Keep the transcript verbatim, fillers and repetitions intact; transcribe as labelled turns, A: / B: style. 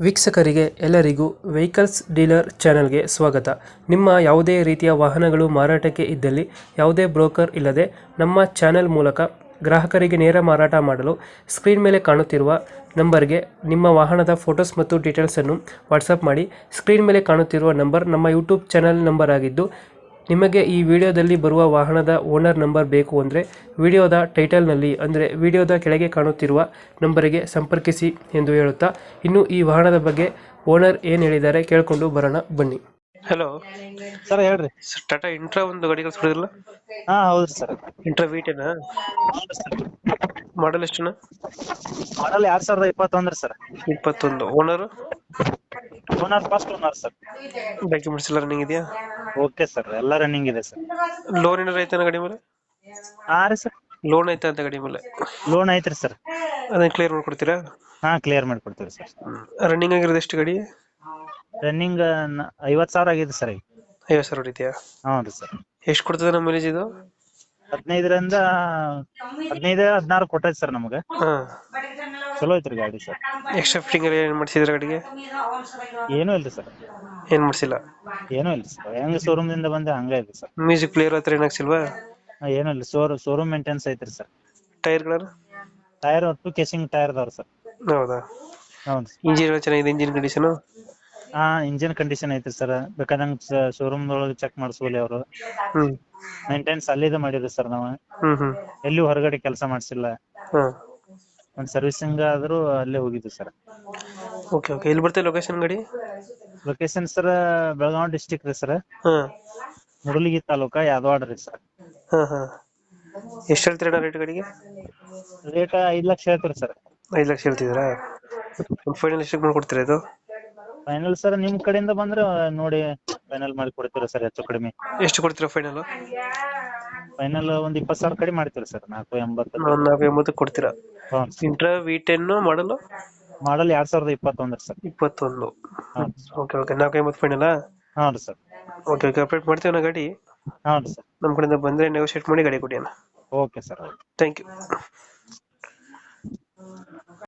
A: ವೀಕ್ಷಕರಿಗೆ ಎಲ್ಲರಿಗೂ vehicles dealer ಚಾನೆಲ್ಗೆ ಸ್ವಾಗತ. ನಿಮ್ಮ ಯಾವುದೇ ರೀತಿಯ ವಾಹನಗಳು ಮಾರಾಟಕ್ಕೆ ಇದ್ದಲ್ಲಿ ಯಾವುದೇ ಬ್ರೋಕರ್ ಇಲ್ಲದೆ ನಮ್ಮ ಚಾನೆಲ್ ಮೂಲಕ ಗ್ರಾಹಕರಿಗೆ ನೇರ ಮಾರಾಟ ಮಾಡಲು ಸ್ಕ್ರೀನ್ ಮೇಲೆ ಕಾಣುತ್ತಿರುವ ನಂಬರ್ಗೆ ನಿಮ್ಮ ವಾಹನದ ಫೋಟೋಸ್ ಮತ್ತು ಡೀಟೇಲ್ಸನ್ನು ವಾಟ್ಸಪ್ ಮಾಡಿ. ಸ್ಕ್ರೀನ್ ಮೇಲೆ ಕಾಣುತ್ತಿರುವ ನಂಬರ್ ನಮ್ಮ ಯೂಟ್ಯೂಬ್ ಚಾನೆಲ್ ನಂಬರ್ ಆಗಿದ್ದು, ನಿಮಗೆ ಈ ವಿಡಿಯೋದಲ್ಲಿ ಬರುವ ವಾಹನದ ಓನರ್ ನಂಬರ್ ಬೇಕು ಅಂದರೆ ವಿಡಿಯೋದ ಟೈಟಲ್ನಲ್ಲಿ ಅಂದರೆ ವಿಡಿಯೋದ ಕೆಳಗೆ ಕಾಣುತ್ತಿರುವ ನಂಬರಿಗೆ ಸಂಪರ್ಕಿಸಿ ಎಂದು ಹೇಳುತ್ತಾ, ಇನ್ನು ಈ ವಾಹನದ ಬಗ್ಗೆ ಓನರ್ ಏನು ಹೇಳಿದ್ದಾರೆ ಕೇಳಿಕೊಂಡು ಬರೋಣ ಬನ್ನಿ. ಹಲೋ
B: ಸರ್ ಹೇಳ್ರಿ.
A: ಟಾಟಾ ಇಂಟ್ರಾ ಒಂದು ಗಾಡಿ ಕಳಿಸ್ಬಿಡಿದ್ರಲ್ಲ,
B: ಹಾ ಹೌದ್ರಿ ಸರ್.
A: ಇಂಟ್ರಾ ವೀಟೇನಾ? ಮಾಡಲ್ ಎಷ್ಟುನ?
B: ಮಾಡಲ್ ಎರಡ್ ಸಾವಿರದ ಇಪ್ಪತ್ತೊಂದ್ರಿ ಸರ್.
A: ಇಪ್ಪತ್ತೊಂದು. Owner
B: owner first owner sir.
A: Documents ಎಲ್ಲ ರನ್ನಿಂಗ್ ಇದೆಯಾ?
B: ಓಕೆ ಸರ್, ಎಲ್ಲ ರನ್ನಿಂಗ್ ಇದೆ ಸರ್.
A: ಲೋನ್ ಏನಾರ ಐತೆ ಗಾಡಿ ಮೇಲೆ?
B: ಹಾ ರೀ ಸರ್,
A: ಲೋನ್ ಐತೆ ಅಂತ ಗಾಡಿ ಮೇಲೆ?
B: ಲೋನ್ ಐತ್ರಿ ಸರ್.
A: ಅದನ್ನ ಕ್ಲಿಯರ್ ಮಾಡ್ಕೊಡ್ತೀರಾ?
B: ಹಾ ಕ್ಲಿಯರ್ ಮಾಡ್ಕೊಡ್ತೀವಿ ಸರ್.
A: ರನ್ನಿಂಗ್ ಆಗಿರೋದು ಎಷ್ಟು ಗಾಡಿ?
B: ರನ್ನಿಂಗ್ ಐವತ್ ಸಾವಿರ ಆಗಿದೆ ಸರ್ ಈಗ.
A: ಐವತ್ತು ಸಾವಿರ ಹೊಡಿದ್ಯಾ?
B: ಹೌದು ಸರ್.
A: ಎಷ್ಟು ಕೊಡ್ತದೆ ನಮ್ಮ ಮೈಲೇಜ್ ಇದು?
B: ಹದಿನೈದರಿಂದ ಹದಿನೈದು ಹದಿನಾರು ಕೊಟ್ಟೈತಿ ಸರ್ ನಮ್ಗೆ.
A: ಹಾ,
B: ಚಲೋ ಐತ್ರಿ ಗಾಡಿ ಸರ್.
A: ಎಕ್ಸ್ಟ್ರಾ ಫಿಟ್ಟಿಂಗ್ ಏನ್ ಮಾಡಿಸಿದ್ರ ಗಾಡಿಗೆ?
B: ಏನೂ ಇಲ್ರಿ ಸರ್,
A: ಏನ್ ಮಾಡಿಸಿಲ್ಲ?
B: ಏನೂ ಇಲ್ಲ ಸರ್. ಹೆಂಗ ಶೋರೂಮ್ ದಿಂದ ಬಂದೆ ಹಂಗ ಇದೆ ಸರ್.
A: ಮ್ಯೂಸಿಕ್ ಪ್ಲೇಯರ್ ಹತ್ರ ಏನ್ ಹಾಕ್ಸಿಲ್ವಾ?
B: ಏನೂ ಇಲ್ಲ, ಶೋರ್ ಶೋರೂಮ್ ಮೇಂಟೆನ್ಸ್ ಐತ್ರಿ ಸರ್.
A: ಟೈರ್ ಗಳ?
B: ಟೈರ್ ಒಟ್ಟು ಕೇಸಿಂಗ್ ಟೈರ್ ಅದಾವ್ರಿ ಸರ್.
A: ಹೌದಾ?
B: ಹೌದು.
A: ಇಂಜಿನ್ ಎಲ್ಲ ಚೆನ್ನಾಗಿದೆ? Engine condition?
B: ಹಾ ಇಂಜಿನ್ ಕಂಡೀಷನ್ ಐತ್ರಿ ಸರ್. ಬೇಕಾದಂಗ ಶೋರೂಮ್ ದೊಳಗೆ ಚೆಕ್ ಮಾಡಿಸ್ಬೋಲಿ ಅವರು.
A: ಹ್ಮ್
B: ಮೇಂಟೆನ್ಸ್ ಅಲ್ಲಿದೆ ಮಾಡಿದ್ರಿ ಸರ್ ನಾವು.
A: ಹ್ಮ್ ಹ್ಮ್
B: ಎಲ್ಲಿ ಹೊರಗಡೆ ಕೆಲಸ ಮಾಡಿಸಿಲ್ಲ.
A: ಹಾ,
B: ಒಂದ್ ಸರ್ವಿಸಿಂಗ್ ಆದ್ರೂ ಅಲ್ಲೇ ಹೋಗಿದ್ವಿ ಸರ್.
A: Okay okay. ಎಲ್ಲಿ ಬರ್ತದೆ ಲೊಕೇಶನ್ ಗಾಡಿ?
B: ಲೊಕೇಶನ್ ಸರ್ ಬೆಳಗಾವಿ ಡಿಸ್ಟಿಕ್ ರೀ ಸರ್.
A: ಹಾ
B: ಮುಡಲಗಿ ತಾಲೂಕ ಯಾದವಾಡ ರೀ ಸರ್.
A: ಹಾ ಹಾ. ಎಷ್ಟು ಹೇಳ್ತೀರಾ ರೇಟ್ ಗಾಡಿಗೆ?
B: ರೇಟ್ ಐದ್ ಲಕ್ಷ ಹೇಳ್ತೀರಿ ಸರ್.
A: ಐದು ಲಕ್ಷ ಹೇಳ್ತಿದ್ದೀರಾ? ಫೈನಲ್ ಎಷ್ಟಕ್ಕೆ ಮಾಡ್ಕೊಡ್ತೀರಾ ಇದು?
B: ಫೈನಲ್ ಸರ್ ನಿಮ್ ಕಡೆಯಿಂದ ಬಂದ್ರೆ ನೋಡಿ ಫೈನಲ್ ಮಾಡಿ ಕೊಡ್ತೀರಾ ಸರ್, ಹೆಚ್ಚು ಕಡಿಮೆ.
A: ಎಷ್ಟು ಕೊಡ್ತೀರಾ ಫೈನಲ್?
B: ಫೈನಲ್ ಒಂದ್ ಇಪ್ಪತ್ ಸಾವಿರ ಕಡಿಮೆ ಮಾಡ್ತೀರಿ ಸರ್. ನಾಲ್ಕು ಎಂಬತ್ತು.
A: ಒಂದ್ ನಾಲ್ಕು ಎಂಬತ್ತು ಕೊಡ್ತೀರಾ?
B: ಹ್ಞೂ.
A: ಇಂಟ್ರಾ ವಿ ಟೆನ್ ಮಾಡಲು?
B: ಮಾಡಲ್ ಎರಡ್ ಸಾವಿರದ ಇಪ್ಪತ್ತೊಂದರ ಸರ್.
A: ಇಪ್ಪತ್ತೊಂದು.
B: ಹಾ
A: ಓಕೆ ಓಕೆ. ನಾಲ್ಕು ಎಂಬತ್ತು ಫೈನಲ್?
B: ಹೌದು ಸರ್.
A: Okay okay. ಅಪ್ಡೇಟ್ ಮಾಡ್ತೀವಿ ನಾ ಗಾಡಿ.
B: ಹೌದು ಸರ್.
A: ನಮ್ಮ ಕಡೆಯಿಂದ ಬಂದರೆ ನೆಗೋಷಿಯೇಟ್ ಮಾಡಿ ಗಾಡಿ ಕೊಡಿ ಅಣ್ಣ.
B: Okay sir.
A: Thank you.